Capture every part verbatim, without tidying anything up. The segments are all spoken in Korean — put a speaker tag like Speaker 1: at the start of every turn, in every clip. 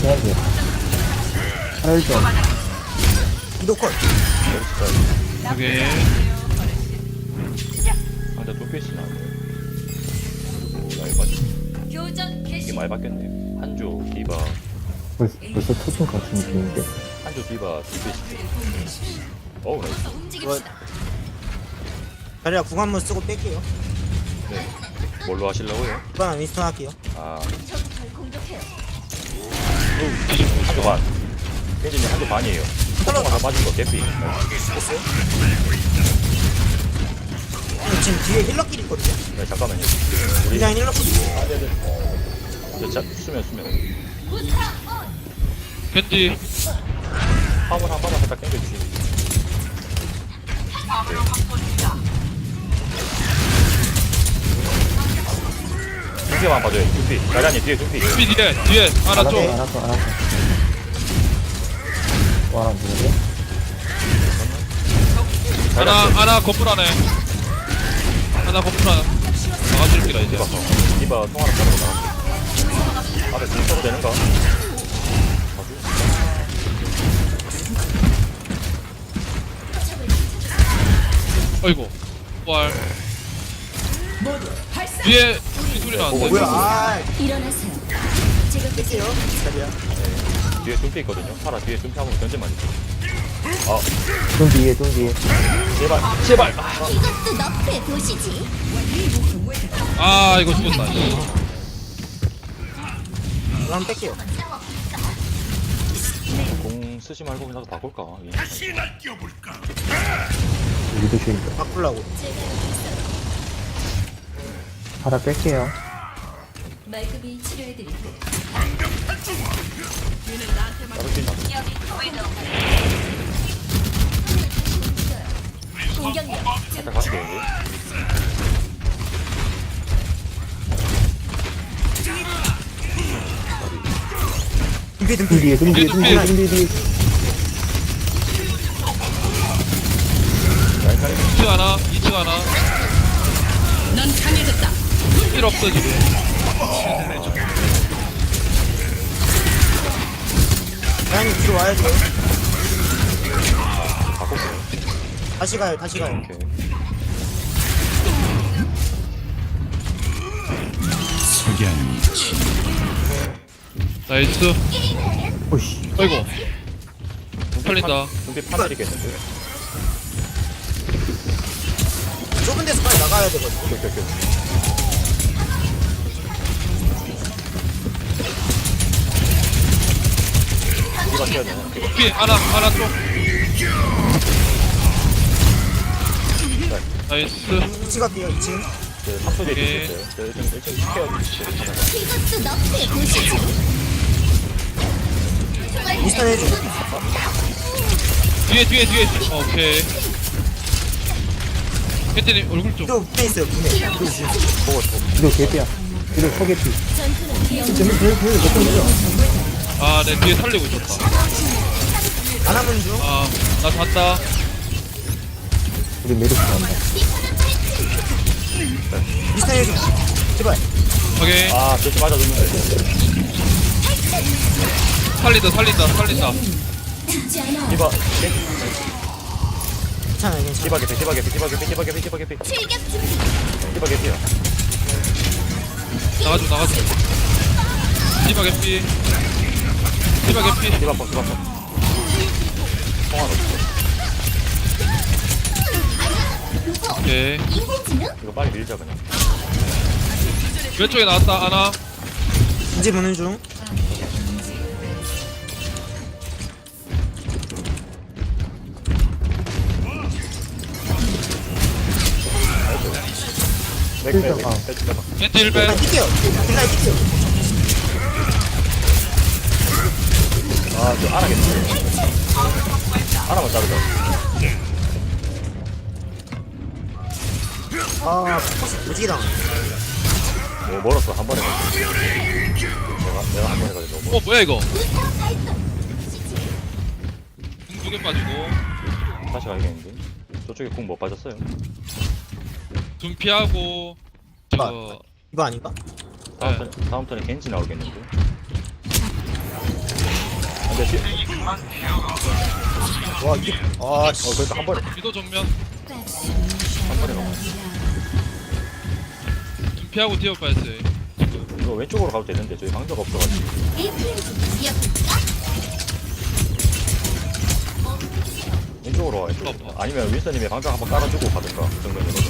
Speaker 1: 해야 돼. 하나 점.
Speaker 2: 이도 컷.
Speaker 3: 오케이.
Speaker 4: 상대 뚫필수 나오네. 그리고 많이 바뀌
Speaker 5: 교전
Speaker 4: 이게
Speaker 5: 개시.
Speaker 4: 많이 바뀌었네. 한조 디바
Speaker 1: 벌써, 벌써 터진 것 같은 느낌인데.
Speaker 4: 한조 디바 뚫필수. 어우 나이스.
Speaker 5: 움직입시다.
Speaker 2: 자리야 궁 한번 쓰고 뺄게요.
Speaker 4: 네. 뭘로 하실라고요?
Speaker 2: 이번엔 윈스턴 할게요.
Speaker 4: 아
Speaker 5: 적을 공격해요.
Speaker 4: 한조 반. 겐지님 한조 반이에요. 털어가 빠진 거 개피.
Speaker 2: 됐어요? 아니, 지금 뒤에 힐러끼리 있거든요.
Speaker 4: 네 잠깐만요. 우리
Speaker 2: 그냥 힐러끼리 있어요.
Speaker 4: 저 자, 수면 수면.
Speaker 3: 겐지.
Speaker 4: 화물 한 번만 살짝 당겨주시면. 둠피만 봐줘요. 둠피. 나자님 뒤에 둠피.
Speaker 3: 둠피 뒤에 뒤에 하나
Speaker 1: 알았어,
Speaker 3: 좀.
Speaker 1: 알았어, 알았어. 와, 누구지?
Speaker 3: 하나 하나 건물 안에. 하나 건물 안에. 나가줄게라 이제.
Speaker 4: 디바 통화를 따로 나갈게. 앞에 공 써도 되는가?
Speaker 3: 어이구. 왈. 뒤에 이 소리 나는데.
Speaker 2: 뭐야? 아,
Speaker 5: 일어나세요. 제가
Speaker 2: 뺄게요. 자리야.
Speaker 4: 뒤에 둠피 있거든요. 파라 뒤에 둠피 한번 견제만 해줘. 아
Speaker 1: 좀 뒤에, 좀 뒤에.
Speaker 4: 제발 제발. 아,
Speaker 5: 이것도 너프의 도시지.
Speaker 3: 아 이거 죽었다.
Speaker 2: 이거 한번 뺄게요.
Speaker 4: 공 쓰지 말고 그냥 바꿀까?
Speaker 1: 여기도 쉬니까.
Speaker 2: 바꾸려고.
Speaker 1: 하나 뺄게요.
Speaker 5: 말끔히 치료해드릴게요.
Speaker 4: 따로 뛰나?
Speaker 5: 공격력
Speaker 4: 살짝 갈게요 이제.
Speaker 2: 둠피
Speaker 1: 좀
Speaker 2: 둠피.
Speaker 1: 뒤에, 좀 뒤에, 좀 뒤에, 좀 뒤에, 뒤에.
Speaker 4: 라인
Speaker 3: 이 층 하나, 이 층 하나. 넌 강해졌다. 필 없어 지금.
Speaker 2: 라인이 뒤로 와야죠.
Speaker 4: 바꿀게요.
Speaker 2: 다시 가요. 다시 가요.
Speaker 4: 오케이.
Speaker 3: 나이스.
Speaker 1: 오씨.
Speaker 3: 어이구. 털린다.
Speaker 4: 둠피 파내리겠는데?
Speaker 2: 좁은 데서 빨리 나가야 되거든요.
Speaker 4: 오케이 오케이 오케이. 디바 뛰어야 되나?
Speaker 3: 둠피 하나 하나 좀. 나이스.
Speaker 2: 이 층 갈게요. 이 층.
Speaker 4: 그 삼 초 뒤에
Speaker 3: 오케이.
Speaker 4: 뛰었어요. 저 일층 일층 스케어 주시죠.
Speaker 5: 이것도 너프의 도시지.
Speaker 2: 윈스턴 해줘.
Speaker 3: 뒤에 뒤에 뒤에. 오케이. 겐지님 얼굴 좀.
Speaker 2: 또 분해 있어요. 분해. 그리고 지금
Speaker 4: 보고 또
Speaker 1: 이거 개피야. 이거 소개피.
Speaker 5: 전투는 위험.
Speaker 1: 재밌, 재밌, 재밌, 몇번 밀어.
Speaker 3: 아, 내 뒤에 살리고 있었다.
Speaker 2: 안 하면 중.
Speaker 3: 아, 나 잤다.
Speaker 1: 우리 메르스 간다.
Speaker 2: 윈스턴 해줘. 제발.
Speaker 3: 오케이.
Speaker 4: 아, 저기 맞아줬는데.
Speaker 3: 살린다, 살린다, 살린다.
Speaker 5: 죽지 않아.
Speaker 4: 디바,
Speaker 2: 괜찮아요. 괜찮아요.
Speaker 4: 디바 개피, 디바 개피, 디바 개피, 디바 개피, 디바 개피,
Speaker 5: 출격 준비.
Speaker 4: 디바 개피야.
Speaker 3: 나가줘, 나가줘. 디바 개피. 디바 개피.
Speaker 4: 디바 펑, 디바 펑. 통화 없어.
Speaker 3: 오케이.
Speaker 5: 인공지능?
Speaker 4: 이거 빨리 밀자 그냥.
Speaker 3: 왼쪽에 나왔다, 하나.
Speaker 2: 이제 보는 중.
Speaker 4: 맥, 맥, 맥,
Speaker 1: 아.
Speaker 4: 맥, 맥, 맥.
Speaker 3: 겐지 일 배.
Speaker 2: 딜라인 뛸게요. 딜라인 뛸게요.
Speaker 4: 아, 저 알아겠네. 알아만 자르자.
Speaker 2: 아, 포커스 오지게 당하네.
Speaker 4: 뭐 멀었어, 한 번에 가지고. 내가, 내가 한 번에 가지고 너무
Speaker 3: 어, 뭐야, 이거? 궁두개 빠지고.
Speaker 4: 멀- 다시 가야겠는데. 저쪽에 궁 못 빠졌어요.
Speaker 3: 둔피하고. 저,
Speaker 2: 이거 아닌가?
Speaker 4: 다음
Speaker 3: 네.
Speaker 4: 턴, 다음 턴에 겐지 나오겠는데. 근데 시,
Speaker 2: 와 이게 아
Speaker 4: 어 그래도 한 번에
Speaker 3: 위도 정면.
Speaker 4: 한 번에 가면
Speaker 3: 피하고 뛰어 빠졌어요.
Speaker 4: 이거 왼쪽으로 가도 되는데 저희 방벽 없어가지고 왼쪽으로 와야 돼. 아니면 윈스님이 방벽 한번 깔아주고 가든가 그 정도면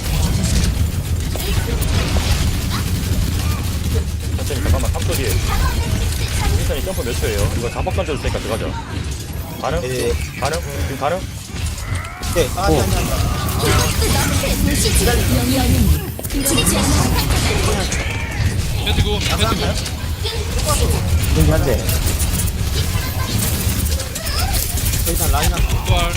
Speaker 4: 천천히 잠깐만 삼 초 뒤에 윈스님 점프 몇 초예요? 이거 자폭 던져줄 테니까 들어가자. 가능?
Speaker 2: 네.
Speaker 4: 가능? 지금 가능?
Speaker 2: 네 아, 아니 아니 아니
Speaker 5: 영영은 죽지 않아.
Speaker 3: 캔디고 캔디고.
Speaker 1: 겐지 한 대.
Speaker 2: 일단 라인 한
Speaker 3: 부활.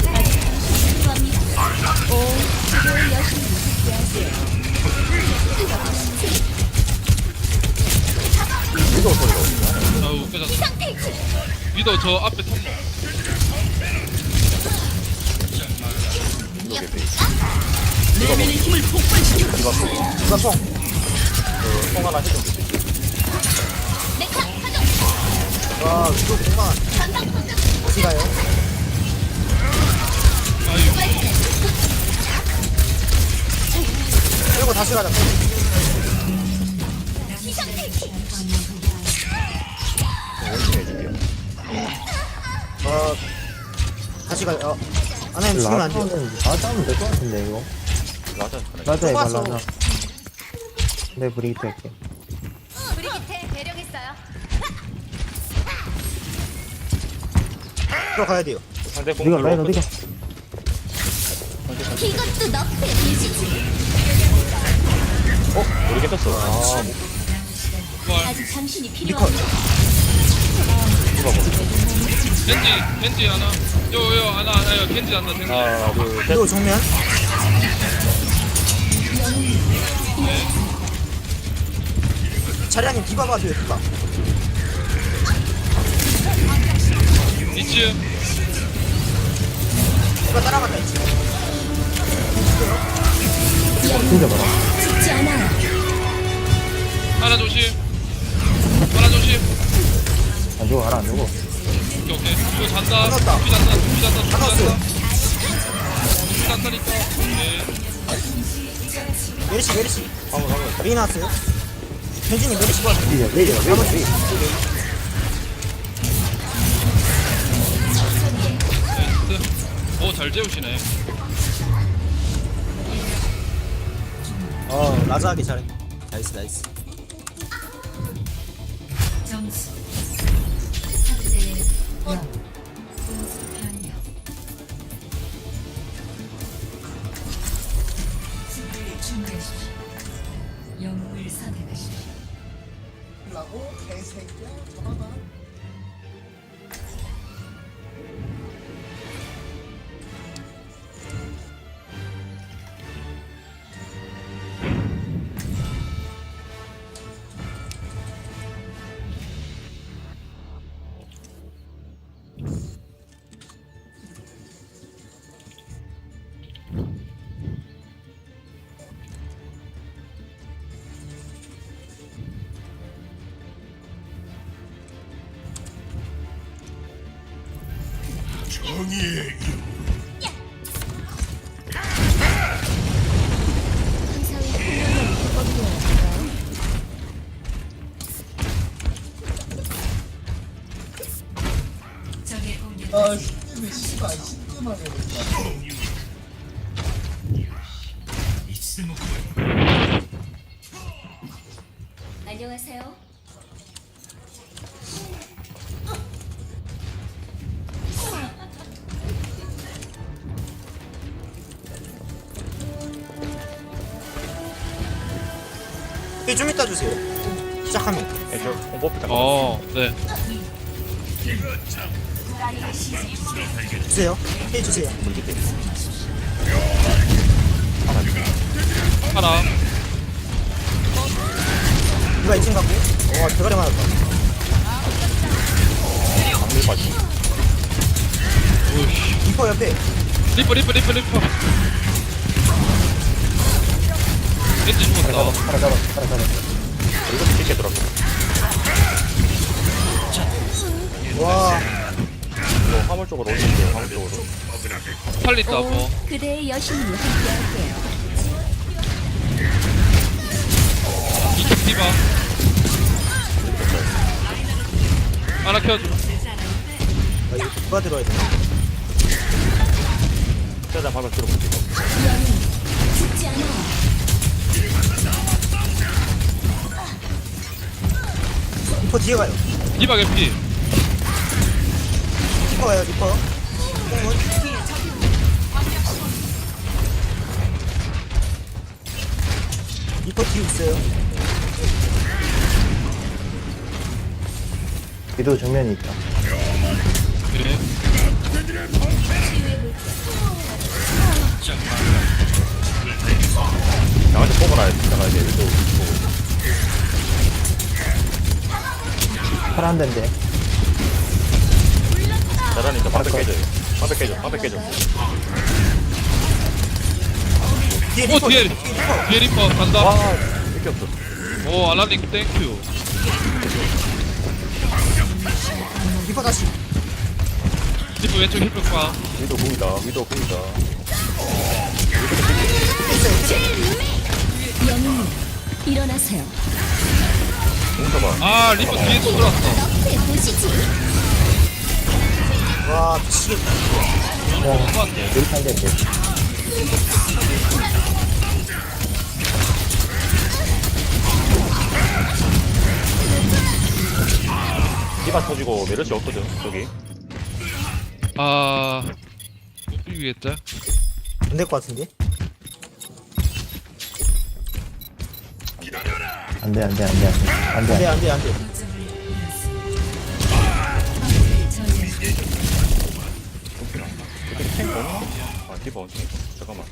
Speaker 4: 위도 소리가 오지.
Speaker 3: 아우 깨졌어. 위도 저 앞에 통로.
Speaker 4: 위도 개피. 이거 뭐? 이거 뭐?
Speaker 2: 누가 총
Speaker 4: 그송 하나 해줘.
Speaker 2: 와 이거 공간 어디 가요?
Speaker 3: 아유.
Speaker 2: 그리고 다시 가자
Speaker 4: 원숭이 해줄게요.
Speaker 2: 어 다시 가요 어 안하면 죽으면 안 돼요
Speaker 1: 라자는 다 싸우면 될 것 같은데 이거.
Speaker 4: 맞아.
Speaker 1: 라자 이거
Speaker 2: 좁아서.
Speaker 1: 라자. 내 브리기트 할게.
Speaker 5: 브리기테 대령했어요.
Speaker 2: 들어가야 돼요
Speaker 4: 상대 공
Speaker 1: 어디가
Speaker 4: 별로
Speaker 1: 라인
Speaker 4: 없거든.
Speaker 1: 어디가?
Speaker 5: 이것도 너프의 도시지.
Speaker 4: 어? 모르겠었어. 아, 뭐,
Speaker 3: 부활.
Speaker 5: 아직 당신이
Speaker 2: 리컷
Speaker 5: 필요한
Speaker 3: 겐지 겐지 하나. 요요 하나 하나요. 겐지 하나 겐지.
Speaker 4: 하나, 둘, 셋.
Speaker 2: 그리고 정면 자리아님 디바 봐줘요 디바
Speaker 3: 이츠.
Speaker 2: 디바 따라간다 이제
Speaker 1: 진짜 봐라.
Speaker 5: 죽지 않아.
Speaker 3: 하나 조심. 하나 조심.
Speaker 1: 안 죽어 하나 안 죽어.
Speaker 3: 오케이 오케이. 이거 잔다.
Speaker 2: 잡았다.
Speaker 3: 두피 잔다. 두피 잔다. 두피
Speaker 2: 잡았어요.
Speaker 3: 잔다. 두피 잔다니까. 오케이.
Speaker 2: 메리시 메리시
Speaker 4: 방금, 방금.
Speaker 2: 메이 나왔어요 현진이 메리시 봐
Speaker 1: 레이저 레이저 레이저 레이저.
Speaker 3: 나이스. 오잘 재우시네.
Speaker 2: 어 라자 하기 잘해 나이스 나이스
Speaker 5: 점수 삼 대 영. 공수 변경. 수비를 준비하십시오. 영웅을 선택하십시오. 의사의 훈련은 비법이어야 적의 공격. 안녕하세요.
Speaker 2: 네, 좀 이따 주세요 시작하면
Speaker 4: 네, 저 공버프 잠깐.
Speaker 3: 어 네.
Speaker 2: 주세요 해 주세요
Speaker 3: 하나.
Speaker 2: 디바 이층 갖고 와 대가리 맞았다
Speaker 4: 방밀 빠지.
Speaker 3: 오이씨.
Speaker 2: 리퍼 옆에
Speaker 3: 리퍼 리퍼 리퍼 리퍼. 겐지
Speaker 1: 하나
Speaker 3: 죽었다.
Speaker 1: 잡아 하나 잡아 하나 잡아.
Speaker 4: 이거 깊게 들어가.
Speaker 2: 와
Speaker 4: 이거 화물 쪽으로 올릴게요. 화물 쪽으로.
Speaker 3: 살린다 뭐.
Speaker 5: 그대의 여신이 함께할게요.
Speaker 3: 이쪽 디바. 하나 켜줘.
Speaker 2: 아 이거 누가 들어야 되나?
Speaker 4: 최대한 화물 들어볼게요.
Speaker 5: 죽지 않아.
Speaker 2: 리퍼 뒤에 가요.
Speaker 3: 디바 개피.
Speaker 2: 리퍼 가요 리퍼. 뽕은 리퍼 뒤에 있어요.
Speaker 1: 위도 정면이 있다.
Speaker 3: 그래.
Speaker 4: 나한테 보고 나야 진짜 가야 돼. 위도 보고.
Speaker 1: 팔안 된대.
Speaker 4: 잘하니까 방백 깨져요. 방백 깨져. 방백 깨져.
Speaker 2: 뒤에
Speaker 3: 오
Speaker 2: 리퍼.
Speaker 3: 뒤에
Speaker 2: 리퍼.
Speaker 3: 뒤에 리퍼 간다.
Speaker 4: 와, 이렇게 없어.
Speaker 3: 오 알라님 땡큐.
Speaker 2: 리퍼 다시.
Speaker 3: 리퍼 왼쪽 힐백 봐.
Speaker 4: 위도 공이다. 위도 공이다.
Speaker 2: 있어요. 있어요.
Speaker 5: 영웅님 일어나세요.
Speaker 4: 공 잡아.
Speaker 3: 아 리퍼 뒤에 또 들어왔어.
Speaker 5: 보시지.
Speaker 2: 와 미치겠다.
Speaker 3: 똑같네.
Speaker 1: 여기 안 된대.
Speaker 4: 디바 터지고 메르시 없거든. 저기.
Speaker 3: 아 못 비비겠다.
Speaker 2: 안 될 것 같은데.
Speaker 1: 안 돼, 안 돼, 안 돼, 안 돼. 안
Speaker 2: 안돼
Speaker 1: 돼.
Speaker 2: 안돼 안돼.
Speaker 4: 이렇게 탱 없나? 아, 디바 언제? 잠깐만.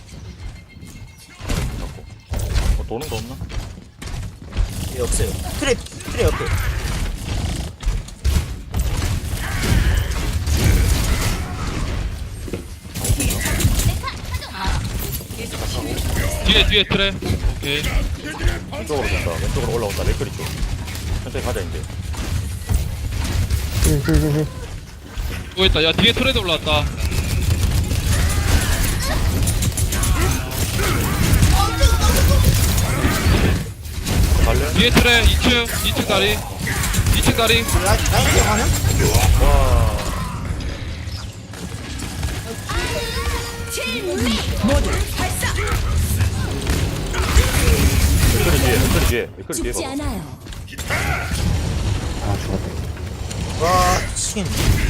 Speaker 4: 잡고. 어, 도는 거 없나?
Speaker 2: 예 없어요. 트랩 트랩 옆에.
Speaker 3: 뒤에 뒤에 트레. 오케이.
Speaker 4: 왼쪽으로 된다. 왼쪽으로 올라온다. 맥거리 쪽. 천천히 가자, 이제.
Speaker 1: 힐, 힐, 힐, 힐.
Speaker 3: 또 있다. 야 뒤에 트레도 올라왔다.
Speaker 4: 갈래?
Speaker 3: 뒤에 트레 이 층 이 층 다리. 이 층 다리.
Speaker 2: 라 라인 뒤에 가는?
Speaker 4: 와. 맥거리 뒤에, 맥거리 뒤에, 맥거리 뒤에
Speaker 5: 죽지
Speaker 4: 봐봐.
Speaker 5: 않아요.
Speaker 1: 아, 죽었다.
Speaker 2: 와 미치겠네.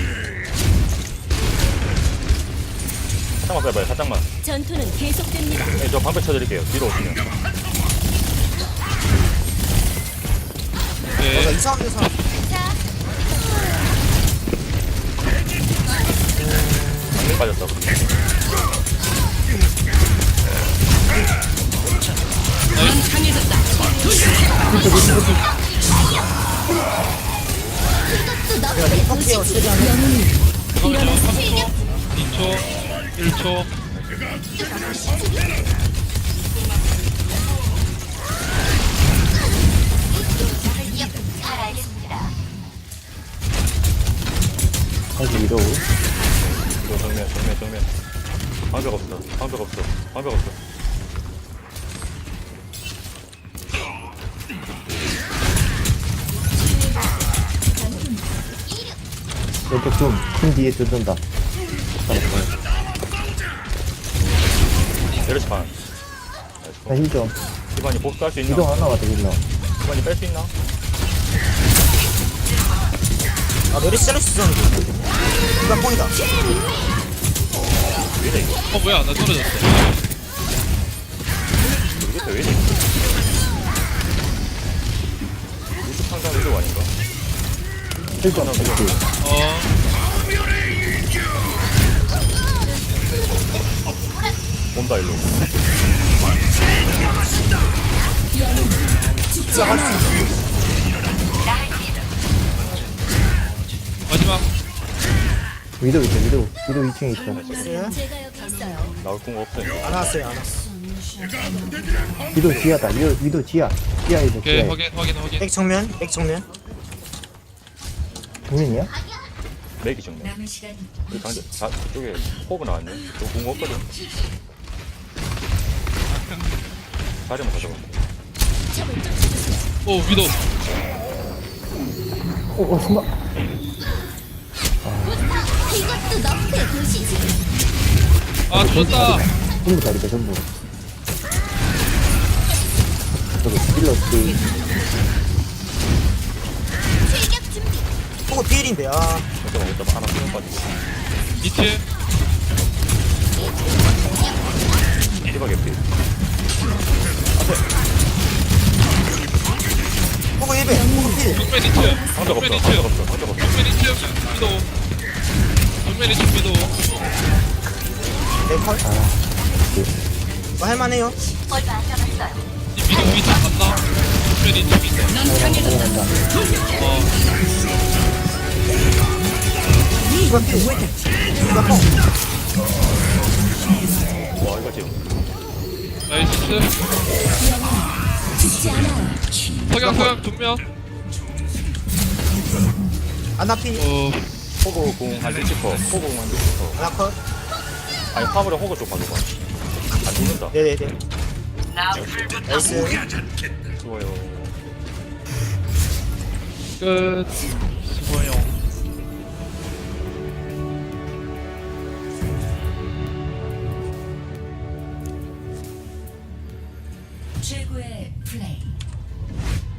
Speaker 4: 살짝만 빼봐요, 살짝만.
Speaker 5: 전투는 계속됩니다.
Speaker 4: 네, 저 방패 쳐드릴게요. 뒤로 오시면.
Speaker 2: 나
Speaker 3: 오케이.
Speaker 2: 이상한 데서
Speaker 4: 방패 빠졌다.
Speaker 2: 내가 리퍼 케어 최대한 해.
Speaker 3: 잠깐만요. 삼 초, 이 초, 일 초.
Speaker 1: 다시 위도.
Speaker 4: 이거 정면, 정면, 정면. 방벽 없어. 방벽 없어. 방벽 없어.
Speaker 1: 왼쪽 좀, 큰 뒤에 뜯는다.
Speaker 4: 메르시 반.
Speaker 1: 나 힐 좀.
Speaker 4: 기반이 복수 할 수 있나?
Speaker 1: 위도 하나 왔다, 힐러.
Speaker 4: 기반이 뺄 수 있나?
Speaker 2: 아 메리시 자를 수 있었는데. 이거 뽕이다.
Speaker 4: 왜 이래, 이거?
Speaker 3: 어 뭐야 나 떨어졌어.
Speaker 4: 모르겠다, 왜 이래? 우주 상상 위도 아닌가?
Speaker 1: 힐 좀, 그렇지.
Speaker 3: 어.
Speaker 4: 온다, 일로.
Speaker 2: 진짜 할 수 있어.
Speaker 3: 마지막.
Speaker 1: 위도 있어, 위도. 위도 이 층에 있어.
Speaker 2: 있어요?
Speaker 5: 제가 여기 있어요.
Speaker 4: 나올 궁 없으니까.
Speaker 2: 안 왔어요 안 왔어.
Speaker 1: 위도 지하다. 위도, 위도 지하. 지하 위도,
Speaker 3: 오케이
Speaker 1: 지하.
Speaker 3: 확인 확인 확인.
Speaker 2: 백 정면 백 정면.
Speaker 1: 정면이야?
Speaker 4: 맥이 정면.
Speaker 5: 남은 시간
Speaker 4: 우리 강제 자, 저쪽에 호그 나왔네. 저궁 없거든. 자리만 가져가.
Speaker 5: 적을 쫓아주세요.
Speaker 3: 오 위도.
Speaker 1: 어, 어, 숨어.
Speaker 5: 이것도 너프의 도시지.
Speaker 3: 아 죽었다.
Speaker 1: 전부 다리다, 전부. 저기, 딜러스.
Speaker 5: 출격 준비.
Speaker 2: 보고 필인데 아
Speaker 4: 잠깐만 이따 하나 수면 빠지고.
Speaker 3: 이치.
Speaker 4: 디바 개피.
Speaker 2: 보고 일 배 보고 필
Speaker 3: 정면 이치.
Speaker 4: 한적
Speaker 3: 정면
Speaker 4: 없어.
Speaker 3: 이치.
Speaker 4: 한적 없어. 한적 없어.
Speaker 3: 정면 이치. 위도. 정면 이치 위도.
Speaker 2: 네컬 뭐 할만해요
Speaker 3: 이 위도 위치 봤나? 정면 이치 위도.
Speaker 1: 넘어간다.
Speaker 3: 어.
Speaker 2: 이거 필 이거 펑
Speaker 4: 와 이거 지금.
Speaker 3: 나이스.
Speaker 5: 죽지 않아요.
Speaker 3: 석양 석양 정면.
Speaker 2: 아나피
Speaker 3: 어.
Speaker 4: 호그 궁한 딜치퍼. 호그 궁한 딜치퍼.
Speaker 2: 아나컷
Speaker 4: 아니 화물에 호그 쪽 봐줘봐. 안 죽는다.
Speaker 2: 네네네 나이스
Speaker 4: 좋아요.
Speaker 3: 끝. 수고해요.
Speaker 5: 최고의 플레이.